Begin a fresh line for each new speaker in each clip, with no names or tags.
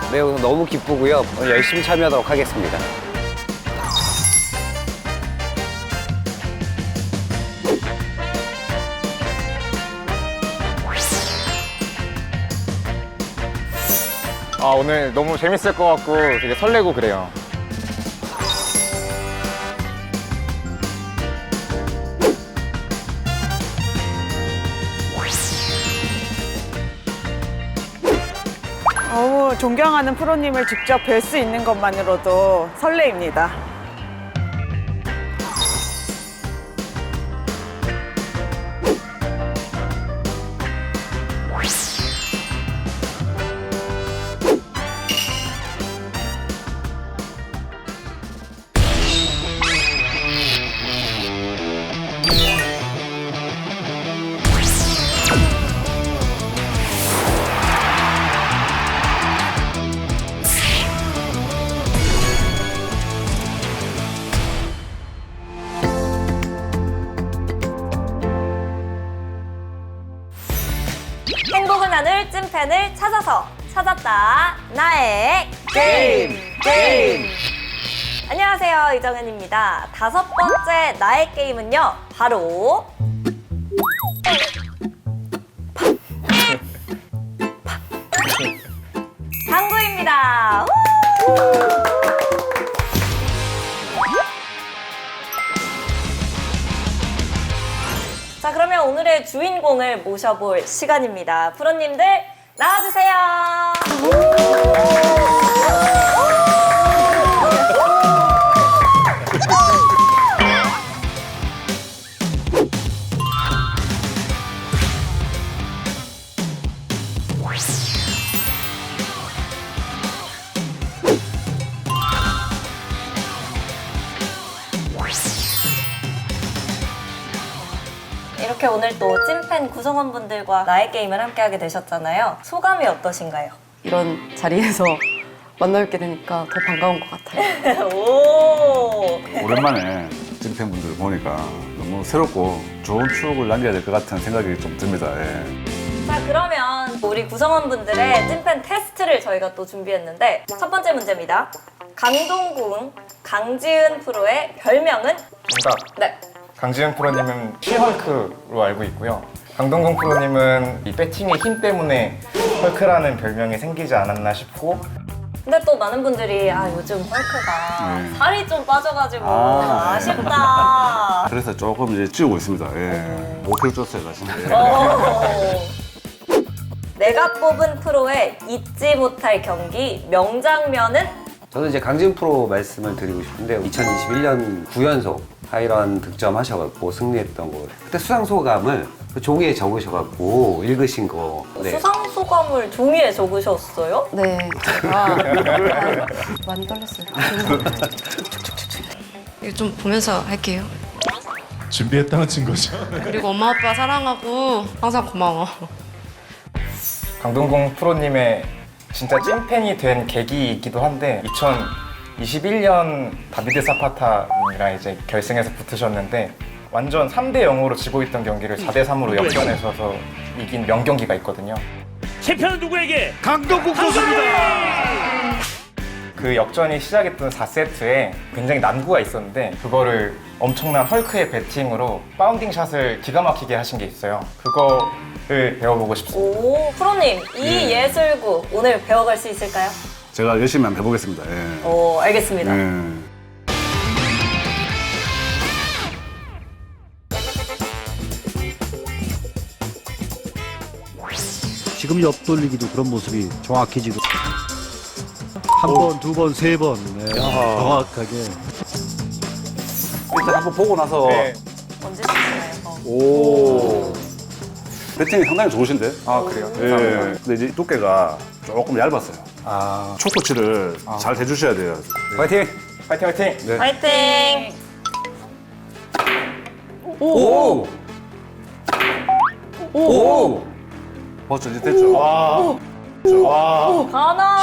매우 너무 기쁘고요. 오늘 열심히 참여하도록 하겠습니다.
오늘 너무 재밌을 것 같고 되게 설레고 그래요.
너무 존경하는 프로님을 직접 뵐 수 있는 것만으로도 설레입니다.
행복을 나눌 찐팬을 찾았다 나의 게임. 안녕하세요, 이정현입니다. 5번째 나의 게임은요, 바로 당구입니다. 자, 그러면 오늘의 주인공을 모셔볼 시간입니다. 프로님들 나와주세요. 이렇게 오늘 또 찐팬 구성원분들과 나의 게임을 함께하게 되셨잖아요. 소감이 어떠신가요?
이런 자리에서 만나뵙게 되니까 더 반가운 것 같아요.
오.
오랜만에 찐팬분들 보니까 너무 새롭고 좋은 추억을 남겨야 될 것 같은 생각이 좀 듭니다. 예.
자, 그러면 우리 구성원분들의 찐팬 테스트를 저희가 또 준비했는데 첫 번째 문제입니다. 강동궁 강지은 프로의 별명은?
정답.
네.
강지은 프로님은 시헐크로 알고 있고요. 강동건 프로님은 이 배팅의 힘 때문에 헐크라는 별명이 생기지 않았나 싶고,
근데 또 많은 분들이 요즘 헐크가
네.
살이 좀 빠져가지고
아,
아쉽다.
그래서 조금 이제 찌우고 있습니다. 예. 5kg 쪘어요, 사실. 예.
내가 뽑은 프로의 잊지 못할 경기 명장면은?
저는 이제 강지은 프로 말씀을 드리고 싶은데 2021년 9연속 하이런 득점하셔갖고 승리했던 거 그때 수상 소감을 그 종이에 적으셔갖고 읽으신 거. 네.
수상 소감을 종이에 적으셨어요?
네, 제가 많이 떨렸어요. 이거 좀 보면서 할게요.
준비했다는 증거죠.
그리고 엄마 아빠 사랑하고 항상 고마워.
강동건 프로님의 진짜 찐팬이 된 계기이기도 한데, 2021년 다비드 사파타님이랑 이제 결승에서 붙으셨는데 완전 3대 0으로 지고 있던 경기를 4대 3으로 역전해서 이긴 명경기가 있거든요.
챔피언은 누구에게? 강동국 선수입니다.
그 역전이 시작했던 4세트에 굉장히 난구가 있었는데 그거를 엄청난 헐크의 배팅으로 바운딩 샷을 기가 막히게 하신 게 있어요. 그거를 배워보고 싶습니다.
오, 프로님, 이 예술구 오늘 배워갈 수 있을까요?
제가 열심히 한번 해보겠습니다. 예.
오, 알겠습니다.
예.
지금 옆돌리기도 그런 모습이 정확해지고 한 번, 두 번, 세 번 정확하게.
일단 한번 보고 나서
네.
언제 쓰시나요?
오. 배팅이 상당히 좋으신데?
아, 그래요?
예.
감사합니다.
근데 이제 두께가 조금 얇았어요.
아,
초코치를 잘 대주셔야 돼요.
화이팅!
화이팅 화이팅!
네.
화이팅!
오! 오!
벌써 이제 됐죠?
와.
가나?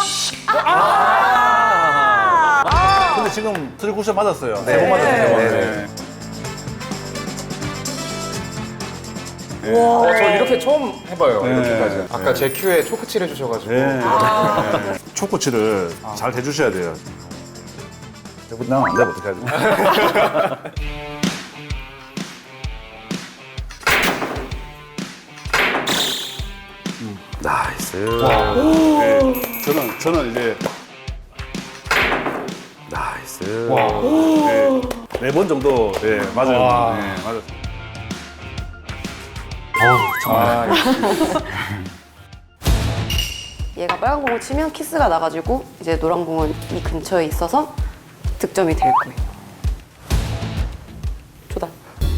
근데 지금 트리 쿠션 맞았어요.
네 번 맞았어요, 세 번.
네.
저 이렇게 처음 해봐요.
네.
이렇게까지. 아까
네.
제 큐에 초크칠 해주셔가지고.
네. 초코치를 잘 해주셔야 돼요. 난안 돼, 어떻게 하지?
나이스.
네, 저는 이제
나이스.
네 번 정도 맞아요.
와.
네, 맞아요.
아,
얘가 빨간 공을 치면 키스가 나가지고 이제 노란 공은 이 근처에 있어서 득점이 될 거예요. 조단.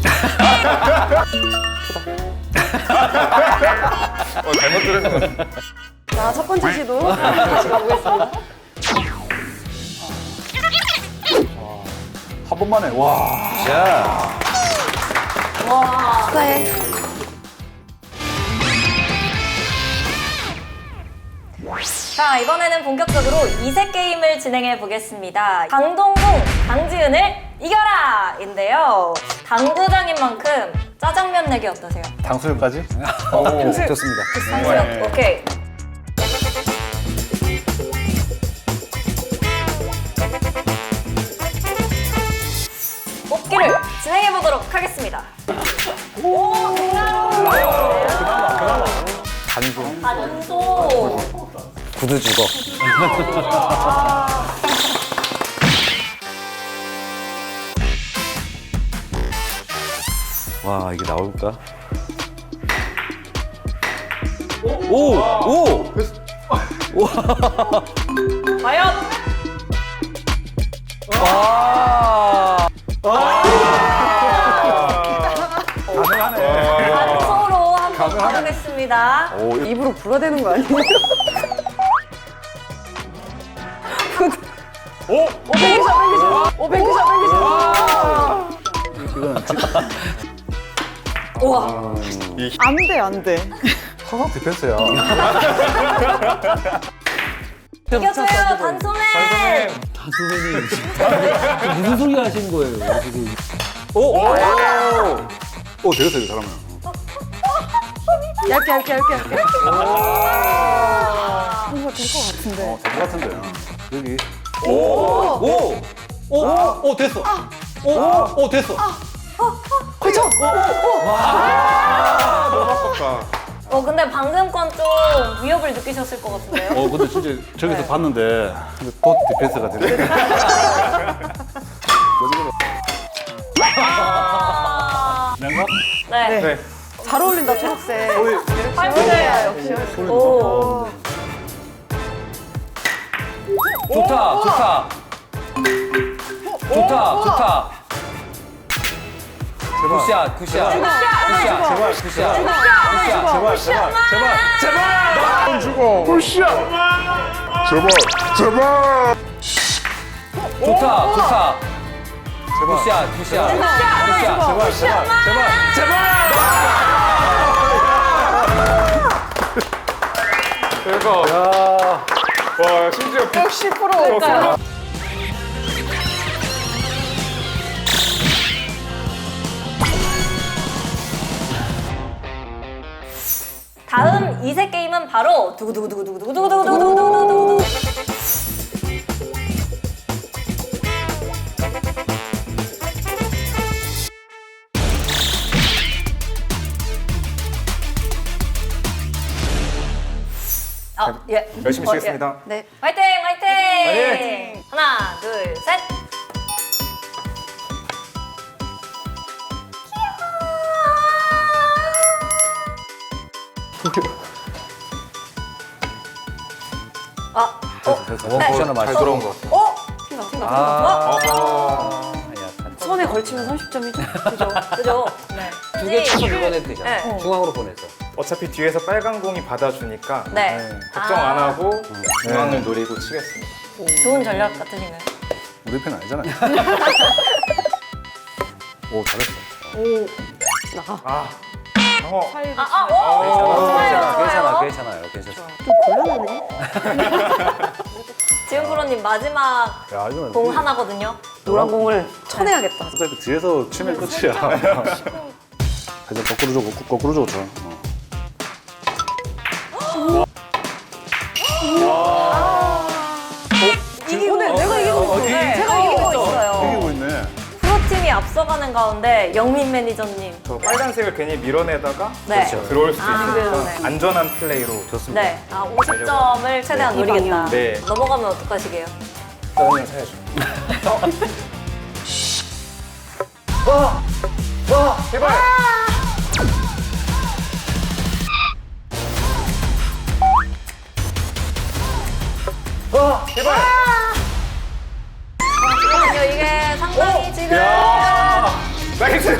잘못 들은 거 같아요.
자, 첫 번째 시도 다시 가보겠습니다.
한 번만에, 와.
자,
축하해.
자, 이번에는 본격적으로 이색 게임을 진행해 보겠습니다. 강동궁, 강지은을 이겨라! 인데요. 당구장인 만큼 짜장면 내기 어떠세요?
당수육까지?
좋습니다.
당구장, 오케이. 뽑기를 진행해 보도록 하겠습니다. 오,
단소.
단소.
구두 죽어. 와, 이게 나올까? 오! 오!
과연 단소로 한번 가보겠습니다.
입으로 불어대는 거 아니에요?
우와.
안 돼, 안 돼.
화상 디펜스야.
이겨줘요, 단소맨.
무슨 소리 하시는 거예요, 지금?
오, 되겠어요, 이 사람은.
얇게.
이거 될 것 같은데.
될 것 같은데. 여기.
오, 됐어. 오, 됐어.
근데 방금 건 좀 위협을 느끼셨을 것 같은데요?
근데 진짜 저기서 봤는데, 또 디펜스가 되네. 내가?
네.
네.
잘 어울린다, 초록색.
팔분을
역시.
오.
좋다. 굿샷. 좋다.
대박. 와, 심지어
10%일까요?
다음 이색 게임은 바로 두구두구두구두구두구두구두구두구두구두구두구. 예.
열심히 치겠습니다.
네.
화이팅! 하나, 둘, 셋.
원쿠션을
잘
맞춰.
들어온 것 같아요.
손에 걸치면 30점이죠.
그죠? 네.
두 개 쳐서 보내도 되잖아.
네.
중앙으로 보내서.
어차피 뒤에서 빨간 공이 받아주니까
네.
걱정 안 하고 중앙을 노리고 치겠습니다.
좋은 전략 같으시네요.
우리 편 아니잖아요. 오, 잘했어.
괜찮아.
좀 곤란하네.
지은 프로님 마지막
야, 이거는
공 하나거든요.
노란 공을 쳐내야겠다.
어차피 뒤에서 치면 끝이야. 회전 거꾸로 주고 쳐.
오늘 내가 이기고 있어. 제가 이기고 있어요.
이기고 있네.
프로팀이 앞서가는 가운데 영민 매니저님.
저 빨간색을 괜히 밀어내다가
네.
들어올 수도
아,
있으니까
네.
안전한 플레이로 좋습니다.
네. 50점을 최대한 노리겠다.
네.
넘어가면 어떡하시게요?
그러면 사야죠. 제발. 제발.
잠깐만요. 이게 상당히 지금
나이스.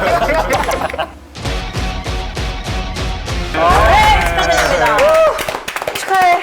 네, 축하드립니다. 축하해.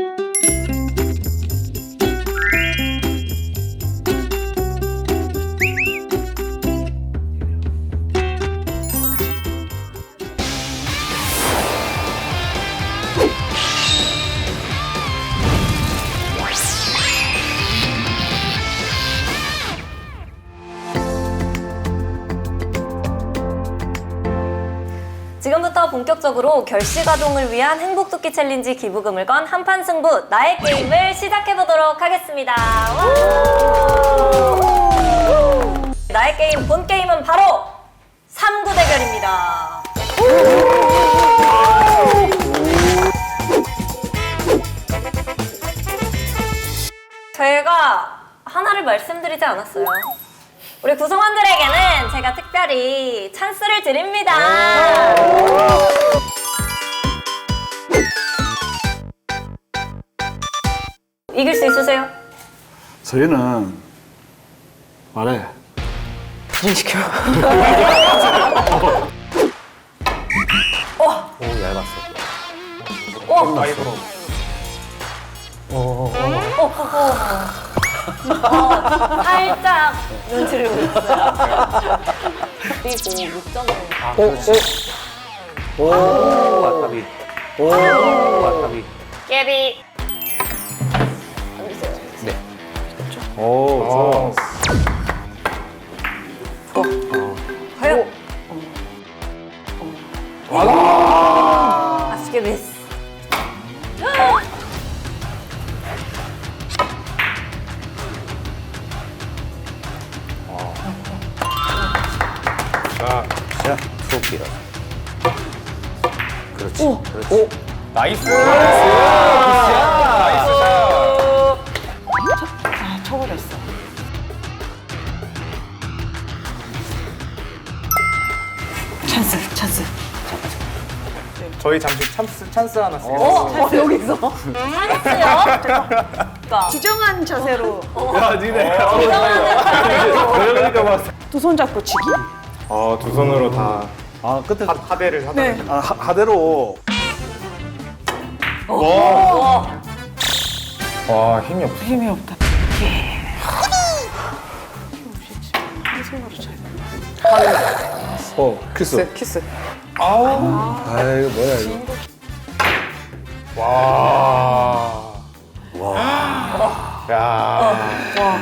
지금부터 본격적으로 결시가동을 위한 행복토끼 챌린지 기부금을 건 한판 승부 나의 게임을 시작해보도록 하겠습니다. 와! 나의 게임 본 게임은 바로 3구 대결입니다. 제가 하나를 말씀드리지 않았어요. 우리 구성원들에게는 제가 특별히 찬스를 드립니다. 이길 수 있으세요?
저희는 말해.
오, 얇았어.
아이브로.
살짝 눈치를 보였어요. 그리고 6점을.
오, 아까비. 오, 아까비.
깨비.
오, 좋아.
과연? 아쉽게 미스.
자, 트로피라. 그렇지. 그렇지.
나이스.
쳐버렸어. 찬스.
저희 잠시 찬스 하나 쓰겠습니다.
여기서? 찬스요? 그러니까.
지정한 자세로
야, 니네.
두 손 잡고 치기.
두 손으로 다
아, 끝에
하대를 하다.
네.
하대로.
와, 힘이 없어.
힘이 없다.
키스.
키스.
아이고, 뭐야, 이거.
와. 야.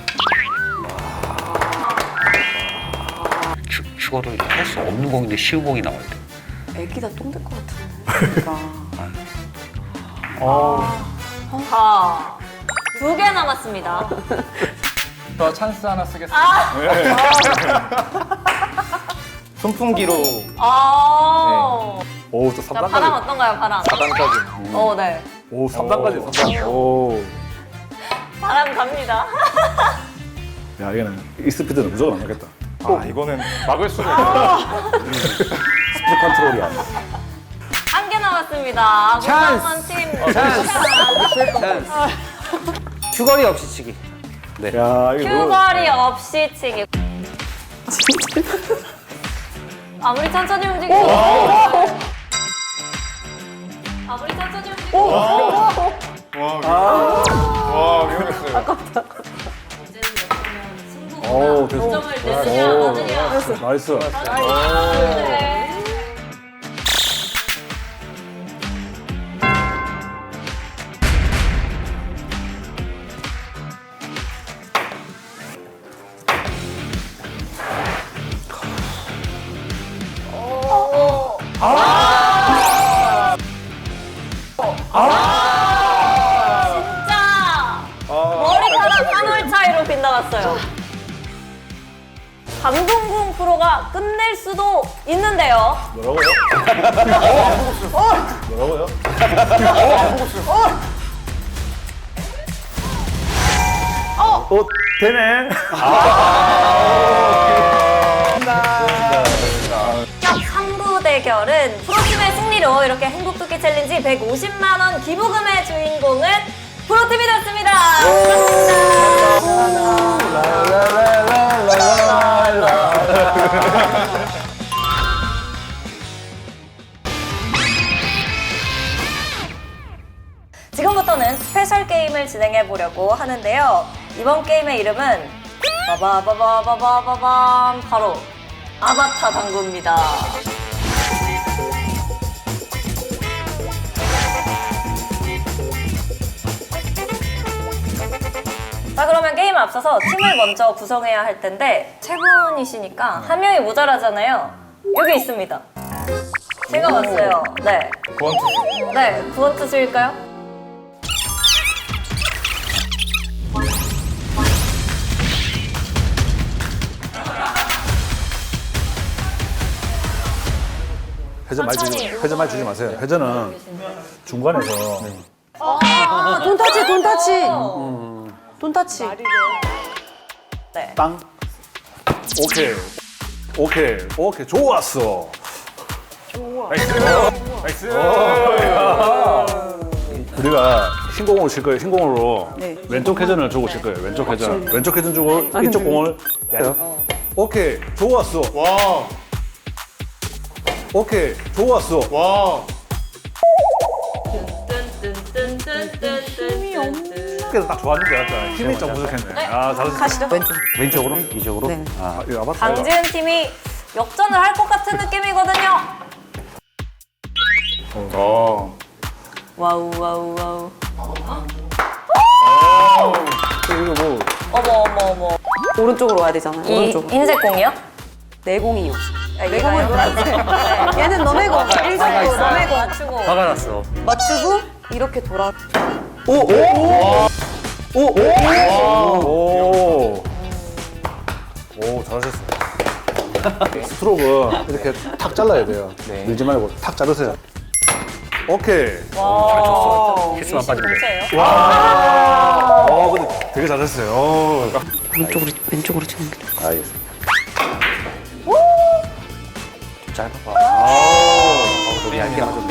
추가를 할 수 없는 공인데 쉬운 공이 나올 때.
애기다 똥될 것 같은데.
자, 2개 남았습니다.
저 찬스 하나 쓰겠습니다. 네. 손풍기로
오, 또
자, 바람
3단까지.
어떤가요, 바람?
4단까지.
네.
오, 3단까지, 3단. 오.
바람 갑니다.
야, 이거는 이 스피드는 무조건 안 맞겠다.
이거는 막을 수가 없어.
스피드 컨트롤이 안 돼.
1개 남았습니다. 구성원 팀.
찬스. 휴거리 없이 치기. 네.
야, 이거.
휴거리 없이 치기. 아무리 천천히 움직여도 아무리 천천히 움직여도
와, 위험했어요.
오, 됐어.
점을 내느냐 마느냐.
나이스.
네. 나왔어요. 강동궁 프로가 끝낼 수도 있는데요.
뭐라고요? 뭐라고요? 되네.
첫 3부 대결은 프로팀의 승리로 이렇게 행복토끼 챌린지 150만 원 기부금의 주인공은 프로팀이 됐습니다. 지금부터는 스페셜 게임을 진행해 보려고 하는데요. 이번 게임의 이름은 바바바바바바밤 바로 아바타 당구입니다. 자, 그러면 게임에 앞서서 팀을 먼저 구성해야 할 텐데 세 분이시니까 한 명이 모자라잖아요. 여기 있습니다. 제가 왔어요. 네.
구원투수.
네, 구원투수일까요?
회전 많이 주지 마세요. 회전은 중간에서
돈타치, 돈타치. 돈타치.
네.
땅. 오케이. 좋았어.
나이스.
우리가 흰공으로 칠 거예요. 흰공으로
네.
왼쪽 회전을 주고 칠 거예요. 왼쪽 회전. 왼쪽 회전 주고 이쪽 공을. 오케이. 좋았어.
와.
오케이. 좋았어.
와.
그래서 딱 좋았는데 약간 힘이 좀 부족했네. 아, 잘했어.
가시죠. 왼쪽.
왼쪽으로? 이쪽으로?
네.
아, 이거 아바타.
강지은 팀이 역전을 할 것 같은 느낌이거든요. 와우 와우 와우.
이거 뭐
어머.
오른쪽으로 와야 되잖아요.
이
오른쪽으로.
흰색 공이요?
내 공이요.
내 공은 노란색.
얘는 너네 공. 일정도 너네 공.
맞추고.
화가 났어.
맞추고 이렇게 돌아.
오, 잘하셨어요. 스트로크 이렇게 탁 잘라야 돼요. 밀지 말고 탁 자르세요. 오케이.
키스만 빠지면 돼.
공채예요?
근데 되게 잘했어요.
왼쪽으로 치는 게.
알겠습니다. 좀 짧아봐. 너무 얇게 맞아.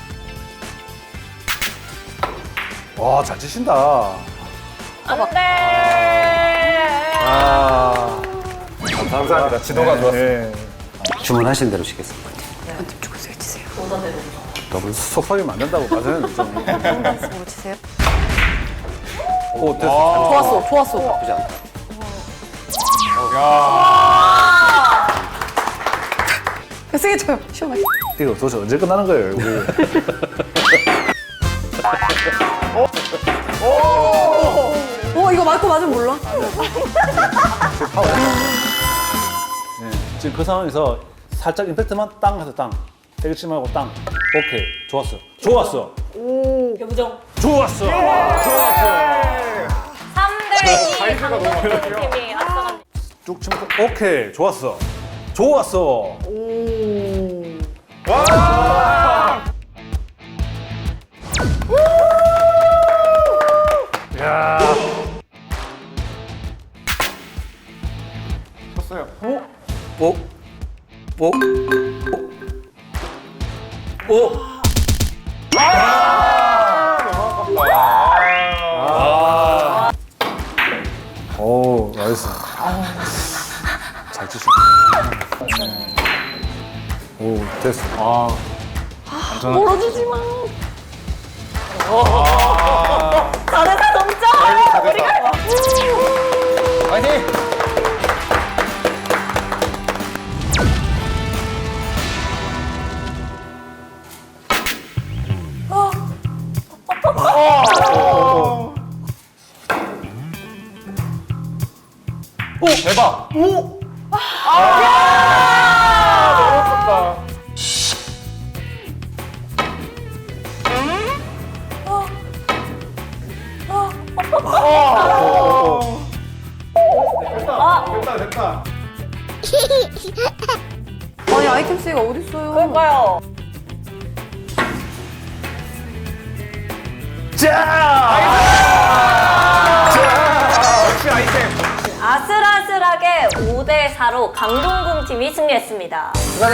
와, 잘 치신다.
안돼.
감사합니다. 지도가 좋았어요.
네.
주문하신 대로 시겠습니다.
쪽으로 치세요.
더블.
속박이면 안 된다고 맞아요. 좀.
쪽으로 치세요.
오, 됐어.
좋았어.
나쁘지 않다.
세게 쳐요. 시원하게.
이거 도대체 언제 끝나는 거예요, 우리?
이거 맞고 맞으면 몰라.
네. 지금 그 상황에서 살짝 임팩트만 땅 해서 땅. 세게 치지 말고 땅. 오케이. 좋았어.
교부정.
좋았어.
3대2 강동구 팀이 앞서갑니다.
쭉 치면 오케이. 좋았어. 야.
쳤어요.
오, 나이스. 잘 치시네. 오, 됐어.
멀어지지 마.
4대4 동점! 우리가
화이팅! 오, 대박! 오! 너무 좋다. 됐다.
아니 아이템 수가 어딨어요?
그럴까요?
역시 아이템.
아슬아슬하게 5대4로 강동궁 팀이 승리했습니다.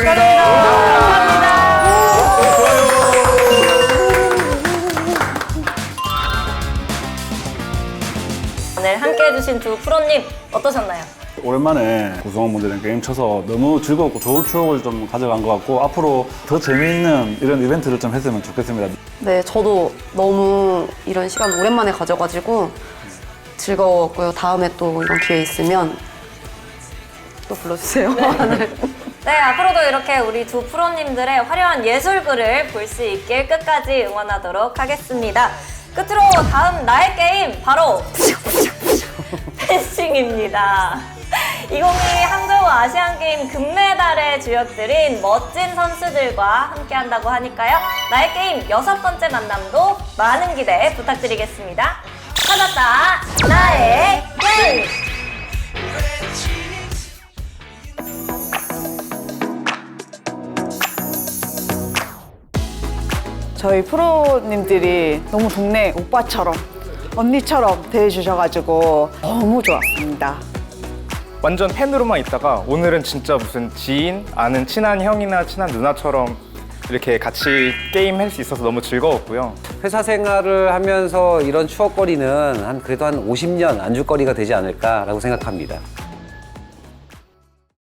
오늘 함께 해주신 두 프로님 어떠셨나요?
오랜만에 구성원분들이랑 게임 쳐서 너무 즐겁고 좋은 추억을 좀 가져간 것 같고 앞으로 더 재미있는 이런 이벤트를 좀 했으면 좋겠습니다.
네, 저도 너무 이런 시간 오랜만에 가져가지고 즐거웠고요. 다음에 또 이런 기회 있으면 또 불러주세요.
네, 앞으로도 이렇게 우리 두 프로님들의 화려한 예술글을 볼 수 있길 끝까지 응원하도록 하겠습니다. 끝으로 다음 나의 게임 바로 펜싱입니다. 2022 항저우 아시안게임 금메달의 주역들인 멋진 선수들과 함께 한다고 하니까요. 나의 게임 6번째 만남도 많은 기대 부탁드리겠습니다. 찾았다, 나의 게임!
저희 프로님들이 너무 동네 오빠처럼 언니처럼 대해주셔가지고 너무 좋았습니다.
완전 팬으로만 있다가 오늘은 진짜 무슨 지인, 아는 친한 형이나 친한 누나처럼 이렇게 같이 게임 할 수 있어서 너무 즐거웠고요.
회사 생활을 하면서 이런 추억거리는 그래도 한 50년 안주거리가 되지 않을까라고 생각합니다.